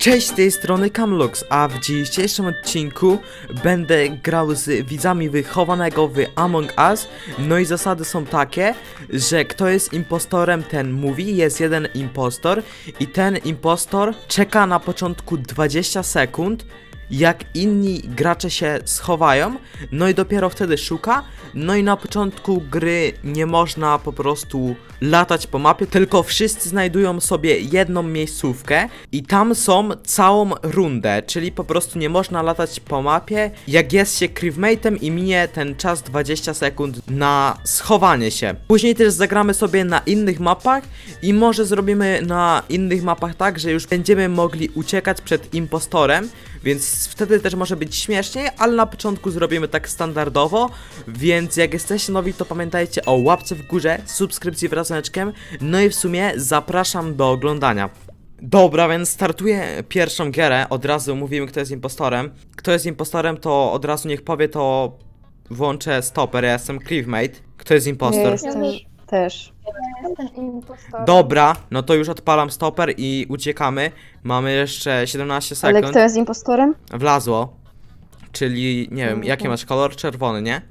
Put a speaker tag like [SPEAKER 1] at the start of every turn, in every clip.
[SPEAKER 1] Cześć, z tej strony Camlux, a w dzisiejszym odcinku będę grał z widzami wychowanego w Among Us. No i zasady są takie, że kto jest impostorem, ten mówi, jest jeden impostor i ten impostor czeka na początku 20 sekund, jak inni gracze się schowają, no i dopiero wtedy szuka. No i na początku gry nie można po prostu latać po mapie, tylko wszyscy znajdują sobie jedną miejscówkę i tam są całą rundę, czyli po prostu nie można latać po mapie, jak jest się crewmate'em i minie ten czas 20 sekund na schowanie się. Później też zagramy sobie na innych mapach i może zrobimy na innych mapach tak, że już będziemy mogli uciekać przed impostorem, więc wtedy też może być śmieszniej, ale na początku zrobimy tak standardowo, więc jak jesteście nowi, to pamiętajcie o łapce w górze, subskrypcji wraz z dzwoneczkiem, no i w sumie zapraszam do oglądania. Dobra, więc startuję pierwszą gierę, od razu mówimy kto jest impostorem. Kto jest impostorem, to od razu niech powie, to włączę stopper, ja jestem crewmate. Kto jest impostor?
[SPEAKER 2] Ja jestem też.
[SPEAKER 3] Jestem impostorem.
[SPEAKER 1] Dobra, no to już odpalam stopper i uciekamy. Mamy jeszcze 17 sekund.
[SPEAKER 2] Ale kto jest impostorem?
[SPEAKER 1] Wlazło. Czyli, nie wiem, jaki masz kolor? Czerwony, nie?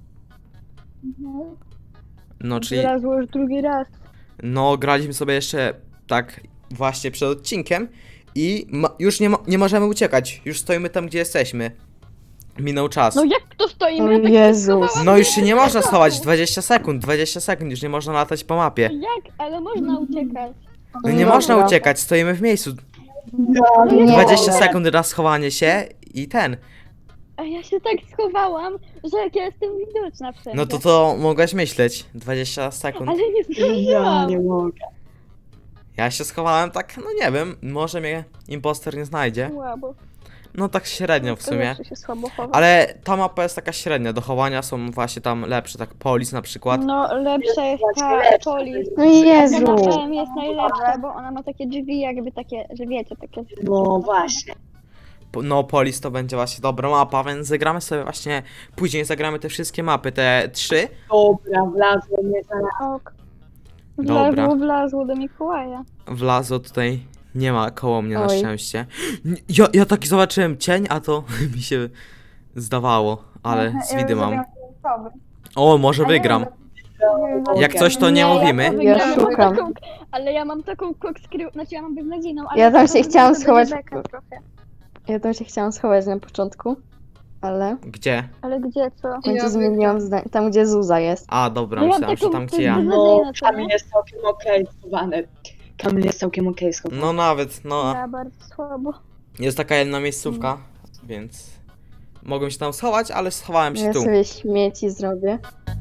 [SPEAKER 1] No, czyli,
[SPEAKER 3] Wylazło już drugi raz.
[SPEAKER 1] no, graliśmy sobie jeszcze tak właśnie przed odcinkiem i już nie możemy uciekać. Już stoimy tam, gdzie jesteśmy. Minął czas.
[SPEAKER 3] No jak to stoimy?
[SPEAKER 2] O
[SPEAKER 3] Ja tak
[SPEAKER 2] Jezus.
[SPEAKER 3] schowałam.
[SPEAKER 1] No już się nie można schować, 20 sekund, 20 sekund, już nie można latać po mapie.
[SPEAKER 3] Jak? Ale można uciekać.
[SPEAKER 1] No nie
[SPEAKER 2] Dobra.
[SPEAKER 1] można uciekać, stoimy w miejscu.
[SPEAKER 2] Nie.
[SPEAKER 1] 20 sekund na schowanie się i ten.
[SPEAKER 3] A ja się tak schowałam, że jak ja jestem widoczna wszędzie.
[SPEAKER 1] No to mogłaś myśleć. 20 sekund.
[SPEAKER 3] Ale nie zdążyłam.
[SPEAKER 2] mogę.
[SPEAKER 1] Ja się schowałem tak, no nie wiem, może mnie imposter nie znajdzie.
[SPEAKER 3] Słabo.
[SPEAKER 1] No tak średnio w sumie.
[SPEAKER 3] Zawsze się słabo chowa.
[SPEAKER 1] Ale ta mapa jest taka średnia, do chowania są właśnie tam lepsze, tak Polis na przykład.
[SPEAKER 3] No lepsza jest ta Polis.
[SPEAKER 2] No Jezu.
[SPEAKER 3] Ta M jest najlepsza, bo ona ma takie drzwi jakby takie, że wiecie, takie...
[SPEAKER 4] No właśnie.
[SPEAKER 1] No Polis to będzie właśnie dobra mapa, więc zagramy sobie właśnie, później zagramy te wszystkie mapy, te 3.
[SPEAKER 4] Dobra, wlazło mnie zaraz.
[SPEAKER 3] Ok.
[SPEAKER 1] Dobra.
[SPEAKER 3] Wlazło do Mikołaja.
[SPEAKER 1] Wlazło tutaj, nie ma koło mnie na
[SPEAKER 2] Oj.
[SPEAKER 1] szczęście. Ja taki zobaczyłem cień, a to mi się zdawało, ale z widy mam. O, może wygram. Jak coś to nie mówimy.
[SPEAKER 2] Ja szukam.
[SPEAKER 3] Ale ja mam taką kokskrył, znaczy ja mam beznadziejną, ale...
[SPEAKER 2] Ja tam się
[SPEAKER 3] to
[SPEAKER 2] chciałam
[SPEAKER 3] będzie
[SPEAKER 2] schować.
[SPEAKER 3] beka trochę.
[SPEAKER 2] Ja tam się chciałam schować na początku, ale
[SPEAKER 1] Gdzie?
[SPEAKER 3] Ale gdzie, co?
[SPEAKER 2] w końcu zmieniłam zdanie. Tam gdzie Zuza jest.
[SPEAKER 1] A, dobra,
[SPEAKER 3] No ja
[SPEAKER 1] myślałem, że
[SPEAKER 3] taką-
[SPEAKER 1] tam
[SPEAKER 3] to
[SPEAKER 1] gdzie ja.
[SPEAKER 3] jest
[SPEAKER 4] No,
[SPEAKER 3] beznadziejne, co
[SPEAKER 4] Kamil
[SPEAKER 3] nie?
[SPEAKER 4] jest całkiem okej schowany. Kamil jest całkiem okej schowany.
[SPEAKER 1] No nawet, no.
[SPEAKER 3] Ja bardzo słabo.
[SPEAKER 1] Jest taka jedna miejscówka, więc mogłem się tam schować, ale schowałem się
[SPEAKER 2] Ja
[SPEAKER 1] tu.
[SPEAKER 2] sobie śmieci zrobię.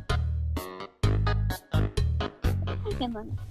[SPEAKER 3] Nie no, nie.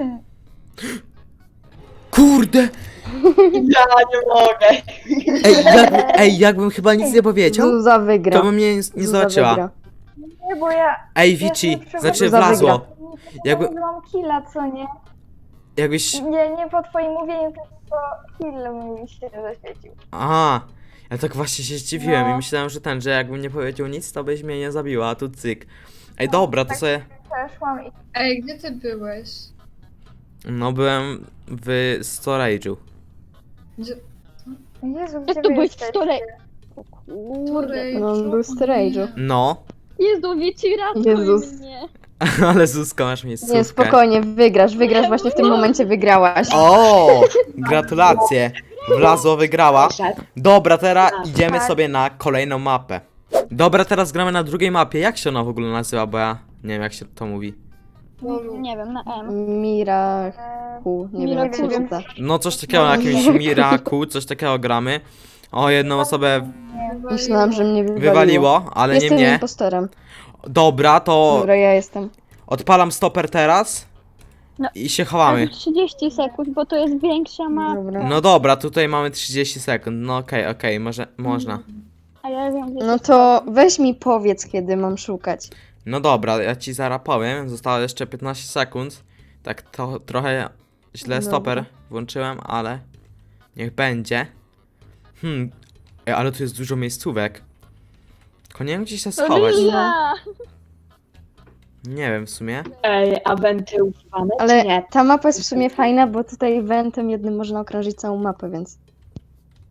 [SPEAKER 1] Kurde!
[SPEAKER 4] Ja nie mogę.
[SPEAKER 1] Jakbym chyba nic nie powiedział,
[SPEAKER 2] Zuza wygra.
[SPEAKER 1] to by mnie nie
[SPEAKER 2] Zuza
[SPEAKER 1] zobaczyła.
[SPEAKER 2] wygra.
[SPEAKER 5] Nie, bo ja
[SPEAKER 1] Ej, Vici, znaczy
[SPEAKER 2] Zuza
[SPEAKER 1] wlazło.
[SPEAKER 5] jakby
[SPEAKER 1] Jakby,
[SPEAKER 5] mam killa, co nie?
[SPEAKER 1] jakbyś...
[SPEAKER 5] Nie po twoim mówieniu, tylko kill mi się zaświecił.
[SPEAKER 1] Aha, ja tak właśnie się zdziwiłem i
[SPEAKER 5] No.
[SPEAKER 1] myślałem, że jakbym nie powiedział nic, to byś mnie nie zabiła, a tu cyk. Ej, dobra, to sobie...
[SPEAKER 5] Przeszłam i
[SPEAKER 6] Ej, gdzie ty byłeś?
[SPEAKER 1] No, byłem w storage'u.
[SPEAKER 6] Gdzie...
[SPEAKER 5] Jezu,
[SPEAKER 3] Jak
[SPEAKER 5] gdzie
[SPEAKER 3] to
[SPEAKER 5] wy
[SPEAKER 3] byłeś w
[SPEAKER 5] jesteście?
[SPEAKER 3] stole? O kurde.
[SPEAKER 2] No on był w storage'u.
[SPEAKER 1] No,
[SPEAKER 3] Jezu, wiecie, ratuj
[SPEAKER 2] Jezus.
[SPEAKER 3] mnie.
[SPEAKER 1] ale Zuzka, masz miejscówkę.
[SPEAKER 2] Nie, spokojnie, wygrasz właśnie w tym momencie wygrałaś.
[SPEAKER 1] O, gratulacje. Wlazło, wygrała.
[SPEAKER 4] Szedł.
[SPEAKER 1] Dobra, teraz
[SPEAKER 4] Tak.
[SPEAKER 1] idziemy sobie na kolejną mapę. Dobra, teraz gramy na drugiej mapie. Jak się ona w ogóle nazywa, bo ja nie wiem jak się to mówi.
[SPEAKER 3] Nie wiem, na M.
[SPEAKER 2] Miraku, nie wiem jak się
[SPEAKER 3] Miraku.
[SPEAKER 2] czyta.
[SPEAKER 1] No coś takiego, na jakimś Miraku, coś takiego gramy. O, jedną osobę
[SPEAKER 2] Myślałam, że mnie
[SPEAKER 1] wywaliło, ale nie
[SPEAKER 2] Jestem
[SPEAKER 1] mnie.
[SPEAKER 2] impostorem.
[SPEAKER 1] Dobra, to
[SPEAKER 2] Dobra, ja jestem.
[SPEAKER 1] odpalam stoper teraz
[SPEAKER 3] No.
[SPEAKER 1] i się chowamy.
[SPEAKER 3] 30 sekund, bo to jest większa mapa.
[SPEAKER 2] Dobra.
[SPEAKER 1] No dobra, tutaj mamy 30 sekund. No okej, może można.
[SPEAKER 3] A ja wiem, gdzie
[SPEAKER 2] No to weź mi powiedz, kiedy mam szukać.
[SPEAKER 1] No dobra, ja ci zaraz powiem. Zostało jeszcze 15 sekund. Tak to trochę źle
[SPEAKER 2] Dobra.
[SPEAKER 1] stoper włączyłem, ale niech będzie. Ej, ale tu jest dużo miejscówek. Tylko nie wiem gdzie się
[SPEAKER 3] To
[SPEAKER 1] schować.
[SPEAKER 3] ja.
[SPEAKER 1] Nie wiem w sumie.
[SPEAKER 4] Ej, a wenty używane
[SPEAKER 2] Ale
[SPEAKER 4] czy nie?
[SPEAKER 2] ta mapa jest w sumie fajna, bo tutaj eventem jednym można okrążyć całą mapę, więc...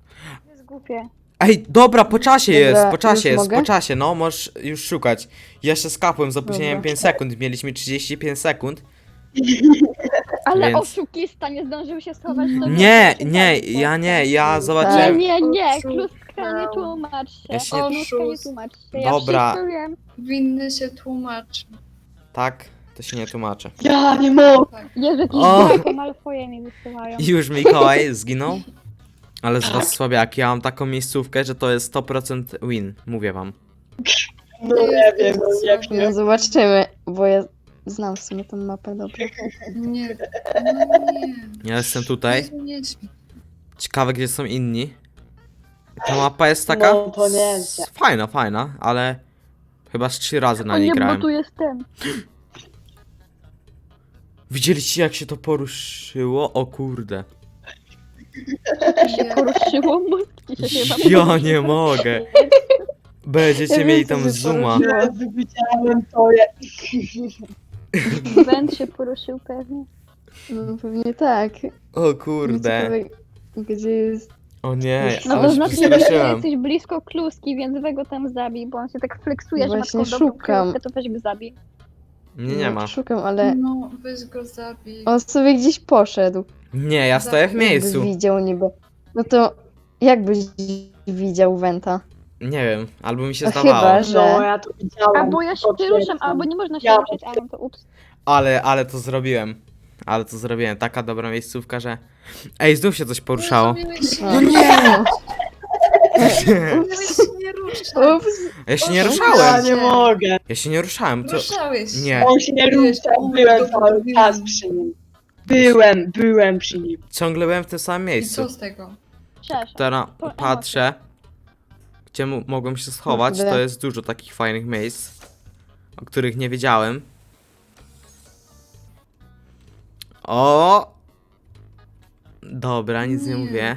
[SPEAKER 3] jest głupie.
[SPEAKER 1] Ej, dobra, po czasie
[SPEAKER 2] Dobra,
[SPEAKER 1] jest, po czasie
[SPEAKER 2] już
[SPEAKER 1] jest,
[SPEAKER 2] mogę?
[SPEAKER 1] po czasie, no, możesz już szukać. Ja się skapłem z opóźnieniem
[SPEAKER 2] Dobra.
[SPEAKER 1] 5 sekund, mieliśmy 35 sekund.
[SPEAKER 3] Ale
[SPEAKER 1] Więc-
[SPEAKER 3] oszukista nie zdążył się schować do
[SPEAKER 1] Nie,
[SPEAKER 3] mnie.
[SPEAKER 1] nie, ja nie, ja
[SPEAKER 3] Nie,
[SPEAKER 1] zobaczyłem.
[SPEAKER 3] nie,
[SPEAKER 6] Oszukał.
[SPEAKER 3] Kluska, nie tłumacz się.
[SPEAKER 1] Ja się nie-
[SPEAKER 3] Kluska, nie tłumacz się. Ja
[SPEAKER 1] Dobra.
[SPEAKER 3] wszystko wiem.
[SPEAKER 6] Winny się tłumaczy.
[SPEAKER 1] Tak, to się nie tłumaczę.
[SPEAKER 4] Ja nie mogę.
[SPEAKER 3] Jezu, jakiś
[SPEAKER 1] O!
[SPEAKER 3] Draco Malfoje mi wysyłają.
[SPEAKER 1] I już Mikołaj zginął. Ale z was słabiaki, ja mam taką miejscówkę, że to jest 100% win, mówię wam.
[SPEAKER 4] No nie wiem, no jak
[SPEAKER 2] No
[SPEAKER 4] nie.
[SPEAKER 2] zobaczymy, bo ja znam w sumie tą mapę dobrze.
[SPEAKER 6] Nie. No nie.
[SPEAKER 1] Ja jestem tutaj.
[SPEAKER 6] Nie.
[SPEAKER 1] Ciekawe, gdzie są inni. Ta mapa jest taka
[SPEAKER 4] No, to nie wiem.
[SPEAKER 1] fajna, fajna, ale chyba z 3 razy na
[SPEAKER 3] O
[SPEAKER 1] niej
[SPEAKER 3] nie, bo
[SPEAKER 1] grałem.
[SPEAKER 3] tu jest ten.
[SPEAKER 1] Widzieliście, jak się to poruszyło? O kurde.
[SPEAKER 3] Się poruszyło, mózg ci się chyba
[SPEAKER 1] Ja
[SPEAKER 3] poruszył.
[SPEAKER 1] nie mogę. Będziecie
[SPEAKER 2] Ja
[SPEAKER 1] mieli
[SPEAKER 2] wiem, co
[SPEAKER 1] tam
[SPEAKER 2] się
[SPEAKER 1] zooma.
[SPEAKER 2] poruszyło.
[SPEAKER 4] Jezu, widziałem to.
[SPEAKER 3] Węd się poruszył pewnie.
[SPEAKER 2] No pewnie tak.
[SPEAKER 1] O kurde.
[SPEAKER 2] Ciekawe, gdzie jest...
[SPEAKER 1] O nie,
[SPEAKER 3] No
[SPEAKER 1] ale
[SPEAKER 3] to
[SPEAKER 1] się
[SPEAKER 3] znaczy, że
[SPEAKER 1] przestraszyłem.
[SPEAKER 3] jesteś blisko Kluski, więc weź go tam zabij, bo on się tak fleksuje, że ma
[SPEAKER 2] Właśnie
[SPEAKER 3] taką dobrą
[SPEAKER 2] szukam.
[SPEAKER 3] kryjówkę, to weź go zabij.
[SPEAKER 1] Nie ma.
[SPEAKER 2] Szukam, ale
[SPEAKER 6] No, weź go zabij.
[SPEAKER 2] on sobie gdzieś poszedł.
[SPEAKER 1] Nie, ja stoję w
[SPEAKER 2] Jakby
[SPEAKER 1] miejscu.
[SPEAKER 2] widział niby. No to jakbyś widział Wenta?
[SPEAKER 1] Nie wiem, albo mi się
[SPEAKER 2] A
[SPEAKER 1] zdawało.
[SPEAKER 2] chyba, że...
[SPEAKER 4] No, ja to widziałem.
[SPEAKER 3] Albo ja się nie ruszam, albo nie można się
[SPEAKER 4] Ja
[SPEAKER 3] ruszyć, ale to ups.
[SPEAKER 1] Ale to zrobiłem. Ale to zrobiłem. Taka dobra miejscówka, że... Ej, znów się coś poruszało.
[SPEAKER 6] Miałeś się
[SPEAKER 2] No
[SPEAKER 6] nie
[SPEAKER 2] nie!
[SPEAKER 6] Miałeś się nie ruszać.
[SPEAKER 2] Ups!
[SPEAKER 1] Ja się nie
[SPEAKER 4] Ja
[SPEAKER 1] ruszałem.
[SPEAKER 4] nie mogę.
[SPEAKER 1] Ja się nie ruszałem. Co?
[SPEAKER 6] Ruszałeś się.
[SPEAKER 1] Nie.
[SPEAKER 4] On się nie ruszał, byłem cały czas przy nim. Byłem przy nim.
[SPEAKER 1] Ciągle byłem w tym samym
[SPEAKER 6] I
[SPEAKER 1] miejscu.
[SPEAKER 6] co z tego?
[SPEAKER 3] Przeszedł.
[SPEAKER 1] Teraz
[SPEAKER 3] Po
[SPEAKER 1] patrzę, gdzie mogłem się schować.
[SPEAKER 2] Kurde.
[SPEAKER 1] To jest dużo takich fajnych miejsc, o których nie wiedziałem. O! Dobra, nic nie
[SPEAKER 6] Nie.
[SPEAKER 1] mówię.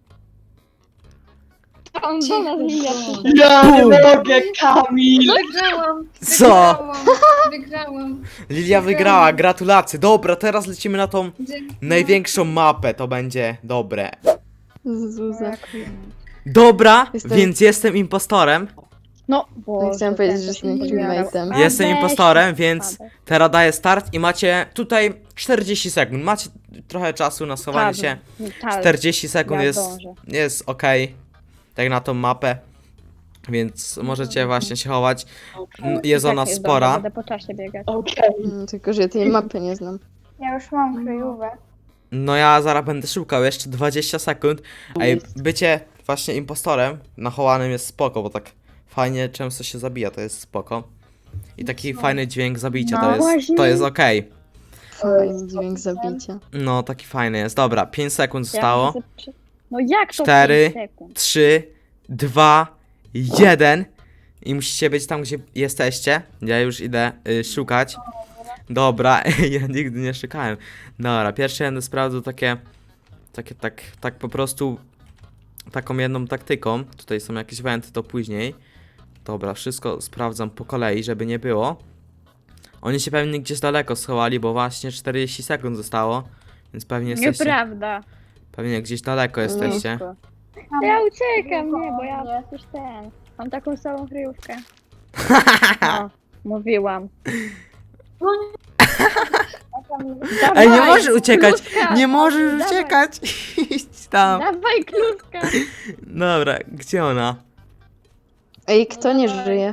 [SPEAKER 3] A on do nas Lilia przyszedł.
[SPEAKER 4] Ja nie
[SPEAKER 1] Bum.
[SPEAKER 4] mogę, Kamil!
[SPEAKER 6] Wygrałam!
[SPEAKER 1] Co?
[SPEAKER 6] Wygrałam!
[SPEAKER 1] Lilia wygrała, gratulacje. Dobra, teraz lecimy na tą
[SPEAKER 6] Dzięki.
[SPEAKER 1] największą mapę. To będzie dobre.
[SPEAKER 2] Zuza.
[SPEAKER 1] Dobra,
[SPEAKER 2] Jestem-
[SPEAKER 1] więc jestem impostorem.
[SPEAKER 3] No,
[SPEAKER 2] No, chciałam powiedzieć, że jestem crewmate'em.
[SPEAKER 1] Jestem impostorem, więc teraz daję start i macie tutaj 40 sekund. Macie trochę czasu na schowanie się. 40 sekund jest ok. Tak na tą mapę. Więc możecie właśnie się chować. Jest ona spora.
[SPEAKER 3] Będę po czasie biegać.
[SPEAKER 4] Okej.
[SPEAKER 2] Tylko, że ja tej mapy nie znam.
[SPEAKER 5] Ja już mam kryjówę.
[SPEAKER 1] No ja zaraz będę szukał jeszcze 20 sekund. Ej, bycie właśnie impostorem na chowanym jest spoko, bo tak fajnie często się zabija, to jest spoko. I taki fajny dźwięk zabicia,
[SPEAKER 3] No
[SPEAKER 1] to jest okej.
[SPEAKER 2] Fajny dźwięk zabicia.
[SPEAKER 1] No, taki fajny jest. Dobra, 5 sekund zostało.
[SPEAKER 3] No jak to
[SPEAKER 1] 4,
[SPEAKER 3] 5 sekund?
[SPEAKER 1] 3, 2, 1. I musicie być tam, gdzie jesteście. Ja już idę szukać. Dobra, ja nigdy nie szukałem. Dobra, pierwsze będę sprawdzał tak po prostu taką jedną taktyką. Tutaj są jakieś wenty, to później. Dobra, wszystko sprawdzam po kolei, żeby nie było. Oni się pewnie gdzieś daleko schowali, bo właśnie 40 sekund zostało. Więc pewnie jesteście.
[SPEAKER 3] Nieprawda.
[SPEAKER 1] Pewnie gdzieś daleko jesteście.
[SPEAKER 3] Ja uciekam, nie, bo ja przecież ten. Mam taką samą kryjówkę. No, mówiłam.
[SPEAKER 1] Ej, nie
[SPEAKER 3] Dawaj,
[SPEAKER 1] możesz uciekać!
[SPEAKER 3] Kluska,
[SPEAKER 1] Nie możesz
[SPEAKER 3] dawaj.
[SPEAKER 1] uciekać! Idź tam.
[SPEAKER 3] Dawaj kluska!
[SPEAKER 1] Dobra, gdzie ona?
[SPEAKER 2] Ej, kto nie żyje?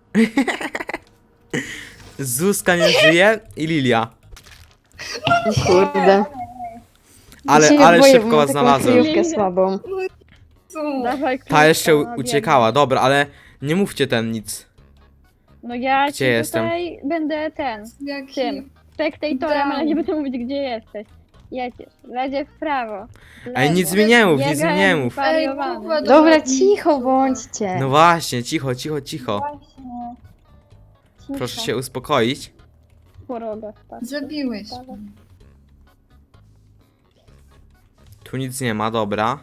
[SPEAKER 1] Zuzka nie żyje i Lilia.
[SPEAKER 2] Kurde.
[SPEAKER 1] Ale,
[SPEAKER 2] Się
[SPEAKER 1] ale
[SPEAKER 2] boję,
[SPEAKER 1] szybko
[SPEAKER 2] bo mam
[SPEAKER 1] was
[SPEAKER 2] taką
[SPEAKER 1] znalazłem.
[SPEAKER 2] kryjówkę słabą.
[SPEAKER 6] Co?
[SPEAKER 3] Dawaj kluska.
[SPEAKER 1] Ta jeszcze
[SPEAKER 3] no,
[SPEAKER 1] uciekała, dobra, ale nie mówcie ten nic.
[SPEAKER 3] No ja
[SPEAKER 1] Gdzie
[SPEAKER 3] ci
[SPEAKER 1] jestem?
[SPEAKER 3] tutaj będę ten,
[SPEAKER 6] Jaki?
[SPEAKER 3] tym, spektatorem, ale nie będę mówić gdzie jesteś. Jedziesz, ledzie w prawo. w
[SPEAKER 1] Ej, nic
[SPEAKER 3] lewo.
[SPEAKER 1] mi nie mów, nic mi
[SPEAKER 3] Biegałem
[SPEAKER 1] nie mów.
[SPEAKER 3] zwariowany.
[SPEAKER 6] Kuba,
[SPEAKER 2] Dobra, cicho bądźcie.
[SPEAKER 1] No właśnie, cicho, cicho, cicho.
[SPEAKER 5] Właśnie. Cisza.
[SPEAKER 1] Proszę się uspokoić.
[SPEAKER 3] Choroba spadła.
[SPEAKER 6] Zabiłeś.
[SPEAKER 1] Tu nic nie ma, dobra.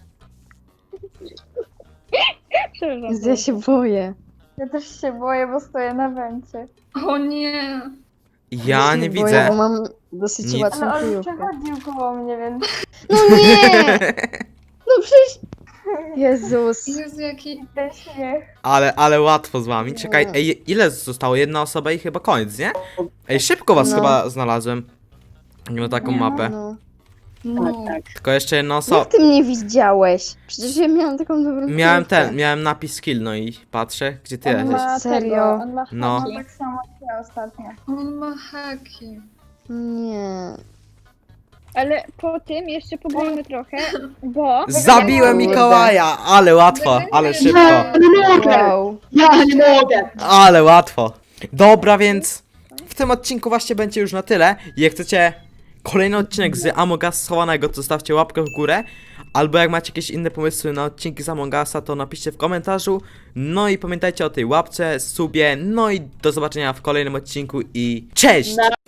[SPEAKER 3] Przepraszam.
[SPEAKER 2] Ja się boję.
[SPEAKER 5] Ja też się boję, bo stoję na węcie.
[SPEAKER 6] O nie!
[SPEAKER 1] Ja nie
[SPEAKER 2] się boję,
[SPEAKER 1] widzę.
[SPEAKER 2] bo mam dosyć
[SPEAKER 1] Nic.
[SPEAKER 2] łatwą
[SPEAKER 5] Ale on
[SPEAKER 2] kryjówkę.
[SPEAKER 5] przechodził koło mnie, więc...
[SPEAKER 2] No nie! No przecież Jezus.
[SPEAKER 6] Jezu, jaki...
[SPEAKER 5] Ten śmiech.
[SPEAKER 1] Ale łatwo z wami. Czekaj, ej, ile zostało? Jedna osoba i chyba koniec, nie? Ej, szybko was
[SPEAKER 2] No.
[SPEAKER 1] chyba znalazłem. Na taką mapę.
[SPEAKER 2] No.
[SPEAKER 6] No.
[SPEAKER 4] Tak.
[SPEAKER 1] Tylko jeszcze jedna osoba.
[SPEAKER 2] Jak ty mnie widziałeś? Przecież ja miałam taką dobrą kryjówkę.
[SPEAKER 1] Miałem napis skill, no i patrzę, gdzie ty
[SPEAKER 5] On
[SPEAKER 1] jesteś.
[SPEAKER 5] ma
[SPEAKER 2] Serio?
[SPEAKER 5] tego, on ma
[SPEAKER 1] No.
[SPEAKER 5] haki. Tak samo jak ja ostatnio.
[SPEAKER 6] On ma haki.
[SPEAKER 2] Nie.
[SPEAKER 3] Ale po tym jeszcze poboimy trochę, bo...
[SPEAKER 1] Zabiłem
[SPEAKER 2] Kurde.
[SPEAKER 1] Mikołaja! Ale łatwo, ale szybko.
[SPEAKER 4] Ja nie mogę!
[SPEAKER 2] Wow.
[SPEAKER 4] Ja nie mogę!
[SPEAKER 1] Ale łatwo. Dobra, więc w tym odcinku właśnie będzie już na tyle. Jak chcecie kolejny odcinek z Among Us schowanego, to zostawcie łapkę w górę. Albo jak macie jakieś inne pomysły na odcinki z Among Usa, to napiszcie w komentarzu. No i pamiętajcie o tej łapce, subie. No i do zobaczenia w kolejnym odcinku i cześć!